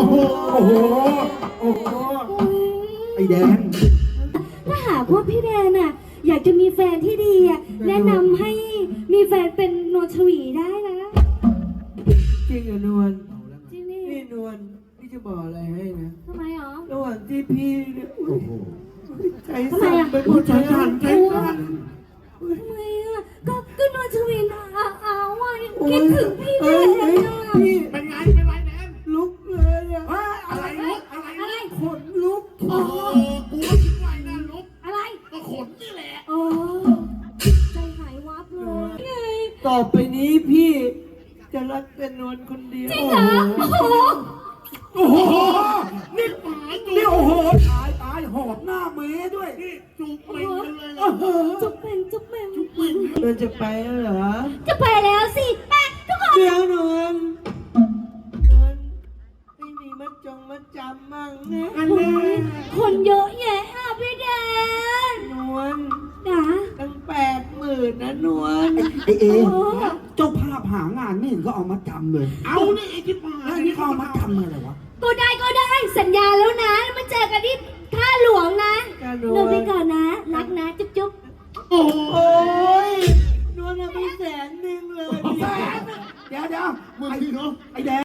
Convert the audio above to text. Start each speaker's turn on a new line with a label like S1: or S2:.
S1: โหโอ้โหโอ้โหไอ้แดง
S2: ถ้าหากว่าพี่แดนน่ะอยากจะมีแฟนที่ดีอ่ะแนะนำให้มีแฟนเป็นนวลชวีได้นะ
S3: จริงเหรอนวล
S2: จริงนี่
S3: นี่นวลพี่จะบอกอะไรให้นะ
S2: ทำไมหรอ
S3: ระหว่างที่พี่เนี่ยใจ
S2: ทำไม
S3: สั่น
S2: อ่ะ
S3: ไปหมดใจสั่นใจสั่น
S2: ทำไมอ่ะก็นวลชวีน่ะเอาอ่ะคิดถึงพี่แดนอ่ะ
S3: พี่
S1: เป็นไงเป็นไรแดง
S3: ลุกเลยอะ
S1: อะไรลุกอะไร
S3: ขนลุก
S1: โอ้โหกูก็คิดว่านะลุก
S2: อะไร
S1: ก็ขนนี่แหละ
S2: โอ้ใจหายวับเลยไง
S3: ต่อไปนี้พี่จะรักแต่นวลคนเดียว
S2: จริงเหรอโอ้โห
S1: โอ้โหนี่โอ้โหตายหอบหน้าเมย์ด้วยนี่จูบเป่งกันเลยนะ
S2: จุ๊บเป็นจุ๊บเป็น
S3: นวลจะไปแล้วเหรอ
S2: จะไปแล้วสิไปทุกคน
S3: เดี๋ยวนวลไม่มีมัดจำมั่งนะ
S2: คนเยอะแยะอ่ะพี่แดน
S3: นวล
S2: นะ
S3: ตั้ง80,000นะนวล
S1: ไอเอเจ้าภาพหางานไม่เห็นก็เอามาจำเลยเอานี่ไอ้ที่มาแล้วนี่เขาเอามาจำอะไรวะ
S2: ก็ได้สัญญาแล้วนะมาเจอกันที่ท่าหลวงนะเดินไปก่อนนะรักนะจุ๊บจุ๊บ
S1: โอ้
S3: ยนวลเอาไป100,000เลย
S1: เดี๋ยวมึงพี่เนาะไอแดง